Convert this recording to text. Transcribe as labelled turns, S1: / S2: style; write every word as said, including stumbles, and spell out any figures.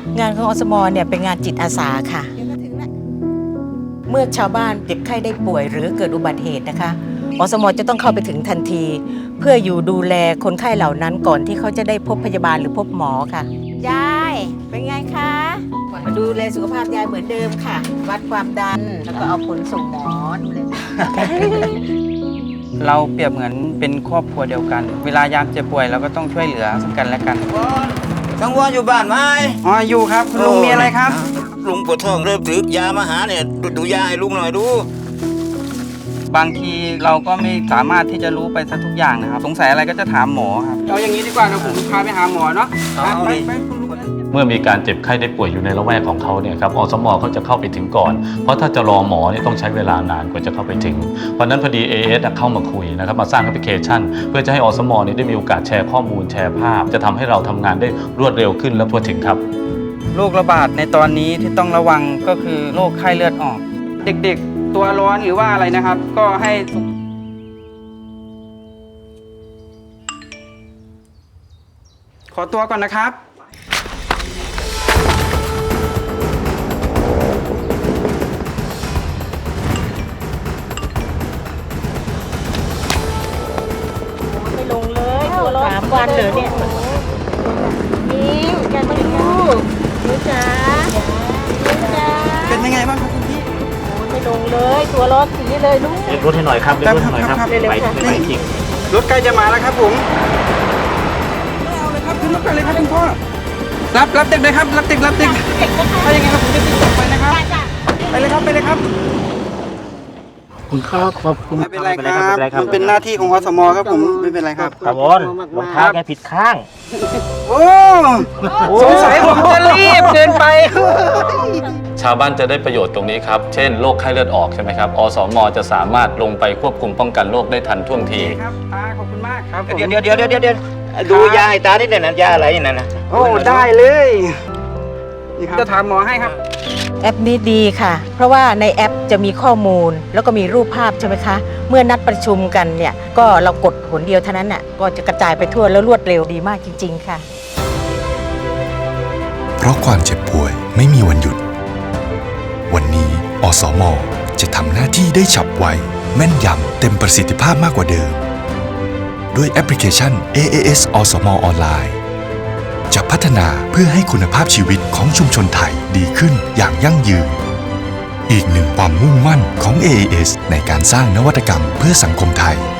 S1: งานของอสมเนี่ยเป็นงานจิตอาสาค่ะเมื่อชาวบ้านเจ็บไข้ได้ป่วยหรือเกิดอุบัติเหตุนะคะอสมจะต้องเข้าไปถึงทันทีเพื่ออยู่ดูแลคนไข้เหล่านั้นก่อนที่เขาจะได้พบพยาบาลหรือพบหมอค่ะยายเป็นไงคะมาดูแลสุขภาพยายเหมือนเดิมค่ะวัดความดันแล้วก็เอาผลส่งหมอดูแล
S2: เราเปรียบเหมือนเป็นครอบครัวเดียวกัน เวลายามเจ็บป่วยเราก็ต้องช่วยเหลือซึ่งกันและกัน
S3: ทั้งวัวอยู่บ้านไหม
S2: อ๋ออยู่ครับคุณลุงมีอะไรครับ
S3: ลุงปวดท้องเริ่มถือยามาหาเนี่ยดูดูยาให้ลุงหน่อยดู
S2: บางทีเราก็ไม่สามารถที่จะรู้ไปซะทุกอย่างนะครับสงสัยอะไรก็จะถามหมอครับเอาอย่างนี้ดีกว่าเราผมพาไปหาหมอเนาะ
S3: เอาดิ
S2: ไปคุณลุง
S4: เมื่อมีการเจ็บไข้ได้ป่วยอยู่ในละแวกของเขาเนี่ยครับอสมเขาจะเข้าไปถึงก่อนเพราะถ้าจะรอหมอเนี่ยต้องใช้เวลานานกว่าจะเข้าไปถึงเพราะนั้นพอดี เอ เอส เข้ามาคุยนะครับมาสร้างแอปพลิเคชัน เพื่อจะให้อสมเนี่ยได้มีโอกาสแชร์ข้อมูลแชร์ภาพ จะทำให้เราทำงานได้รวดเร็วขึ้นและทั่วถึงครับ
S2: โรคระบาดในตอนนี้ที่ต้องระวังก็คือโรคไข้เลือดออก เด็กๆตัวร้อนหรือว่าอะไรนะครับ ก็ให้ขอตัวก่อนนะครับ
S1: ไม่ลงเลยตัวสามวันเหรอเนี่ยนิ้วแกมาดูนิ้วจ๋านิ้วจ๋า
S2: เป็นยังไงบ้างครับคุณพี่
S1: ไม่ลงเลยตัวร้อนสีเลยลูก
S4: เรียกรถให้หน่อยครับเรียกรถให้หน่อยครับ
S2: ครับ
S4: ไปไปไปจริง
S2: รถใกล้จะมาแล้วครับผมไม่เอาเลยครับขึ้นรถกันเลยครับคุณพ่อรับรับเด็กเลยครับรับเด็กรับเด็กถ้าอย่างไงครับผมจะติดต่อไปนะครับไปเลยครับไปเลยครับ
S4: คุณครับขอบคุณ
S2: ไม่เป็นไรครับมันเป็นหน้าที่ของอสมครับผมไม่เป็นไรครับ
S4: ครับบอลรองเท้าแกผิดข้าง
S2: โอ้สงสัยผมจะรีบเกินไป
S4: ชาวบ้านจะได้ประโยชน์ตรงนี้ครับ เช่นโรคไข้เลือดออกใช่ไหมครับ อสม จะสามารถลงไปควบคุมป้องกันโรคได้ทันท่วงที
S2: ครับตาขอบคุณมากครับ
S3: เดี๋ยวเดี๋ยวเดี๋ยวเดี๋ยวเดี๋ยวดูยาให้ตานิดหน่อยนะยาอะไรนั่นนะ
S2: โอ้ได้เลยนี่ครับจะถามหมอให้ครับ
S1: แอปนี้ดีค่ะ เพราะว่าในแอปจะมีข้อมูลแล้วก็มีรูปภาพใช่ไหมคะ เมื่อนัดประชุมกันเนี่ยก็เรากดผลเดียวเท่านั้นน่ะก็จะกระจายไปทั่วแล้วรวดเร็วดีมากจริงๆค่ะ
S5: เพราะความเจ็บป่วยไม่มีวันหยุด วันนี้อสม จะทำหน้าที่ได้ฉับไว แม่นยำเต็มประสิทธิภาพมากกว่าเดิม ด้วยแอปพลิเคชัน เอ เอ เอส อสม ออนไลน์จะพัฒนาเพื่อให้คุณภาพชีวิตของชุมชนไทยดีขึ้นอย่างยั่งยืน อีกหนึ่งความมุ่งมั่นของ เอ เอ เอส ในการสร้างนวัตกรรมเพื่อสังคมไทย